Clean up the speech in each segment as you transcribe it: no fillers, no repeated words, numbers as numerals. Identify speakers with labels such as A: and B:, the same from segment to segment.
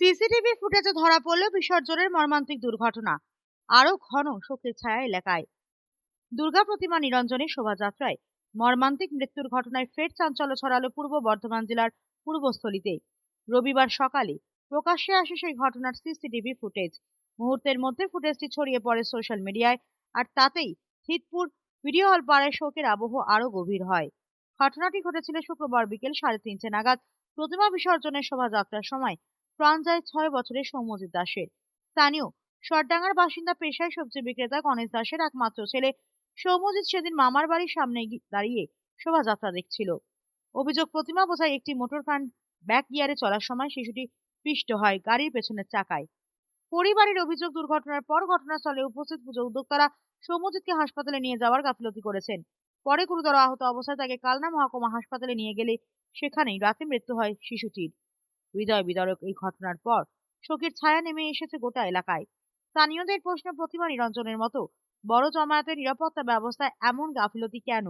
A: CCTV ফুটেজে ধরা পড়ল বিসর্জনের মর্মান্তিক দুর্ঘটনা। আরো ঘন শোকের ছায়া এলাকায়। দুর্গা প্রতিমা নিরঞ্জনের শোভাযাত্রায় মর্মান্তিক মৃত্যুর ঘটনায় ফের চাঞ্চল্য ছড়ালো পূর্ব বর্ধমান জেলার পূর্বস্থলীতে। রবিবার সকালে প্রকাশ্যে আসে সেই ঘটনার সিসিটিভি ফুটেজ। মুহূর্তের মধ্যে ফুটেজটি ছড়িয়ে পড়ে সোশ্যাল মিডিয়ায়, আর তাতেই হিতপুর ভিডিও হল পাড়ায় শোকের আবহ আরো গভীর হয়। ঘটনাটি ঘটেছিল শুক্রবার বিকেল 3:30 নাগাদ। প্রতিমা বিসর্জনের শোভাযাত্রার সময় প্রাণ যায় 6 বছরের সৌম্যজিৎ দাসের। স্থানীয় সরডাঙ্গার বাসিন্দা, পেশায় সবজি বিক্রেতা গণেশ দাসের একমাত্র ছেলে সৌম্যজিৎ সেদিন মামার বাড়ির সামনে দাঁড়িয়ে শোভাযাত্রা দেখছিল। অভিযোগ, প্রতিমা বোঝাই একটি মোটর ভ্যান ব্যাক গিয়ারে চলার সময় শিশুটি পিষ্ট হয় গাড়ির পেছনের চাকায়। পরিবারের অভিযোগ, দুর্ঘটনার পর ঘটনাস্থলে উপস্থিত পুজো উদ্যোক্তারা সৌম্যজিৎকে হাসপাতালে নিয়ে যাওয়ার গাফিলতি করেছেন। পরে গুরুতর আহত অবস্থায় তাকে কালনা মহকুমা হাসপাতালে নিয়ে গেলে সেখানেই রাতে মৃত্যু হয় শিশুটির। হৃদয় বিদারক এই ঘটনার পর শোকের ছায়া নেমে এসেছে গোটা এলাকায়। স্থানীয়দের প্রশ্ন, প্রতিমা নিরঞ্জনের মতো বড় জমায়েতের নিরাপত্তা ব্যবস্থায় এমন গাফিলতি কেন?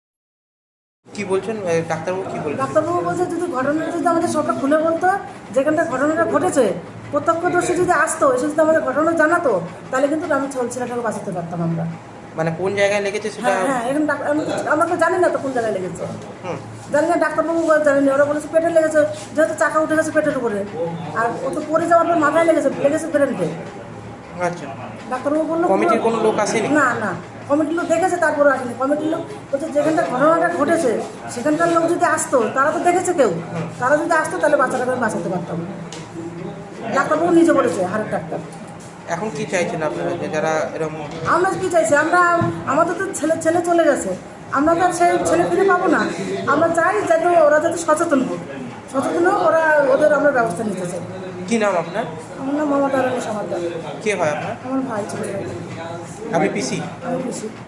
B: কি বলছেন ডাক্তারবাবু? কি বলছেন?
C: ডাক্তারবাবু বলছে যদি ঘটনাটা যদি আমাদের সবটা খুলে বলতো, যেখানটা ঘটনাটা ঘটেছে প্রত্যক্ষদর্শী যদি আসতো, এসে যদি আমাদের ঘটনা জানাতো, তাহলে কিন্তু আমি ছেলেটাকে বাঁচাতে পারতাম আমরা।
B: মানে কোন জায়গায় লেগেছে সেটা?
C: হ্যাঁ, এখন আমরা তো জানি না তো কোন জায়গায় লেগেছে। জানি না, ডাক্তারবাবু জানি না। ওরা বলেছে পেটে লেগেছে, যেহেতু চাকা উঠে গেছে পেটের উপরে, আর ও তো পড়ে যাওয়ার পর মাথায় লেগেছে ব্রেনকে।
B: আচ্ছা,
C: ডাক্তারবাবু বললো
B: কমিটির কোনো লোক আসেনি?
C: না না, কমিটির লোক দেখেছে, তারপরে আসেনি। কমিটির লোক বলছে যেখানটা ঘটনাটা ঘটেছে সেখানকার লোক যদি আসতো, তারা তো দেখেছে কেউ, তারা যদি আসতো তাহলে বাচ্চাটাকে আমি বাঁচাতে পারতাম। ডাক্তারবাবু নিজে বলেছে, হাড়ের ডাক্তার।
B: এখন কি চাইছেন আপনারা, যে যারা এরকম?
C: আমরা কি চাইছি, আমরা আমাদের তো ছেলে চলে গেছে, আমরা তো আর সেই ছেলে ফিরে পাবো না। আমরা চাই যাতে ওরা যাতে সচেতন হোক, ওরা ওদের আমরা ব্যবস্থা নিতে চাই।
B: কি নাম আপনার?
C: আমার নাম মমতা রানী সমাদার।
B: কে হয় আপনার?
C: আমার ভাই ছিল।
B: আপনি পিসি?
C: আমি পিসি।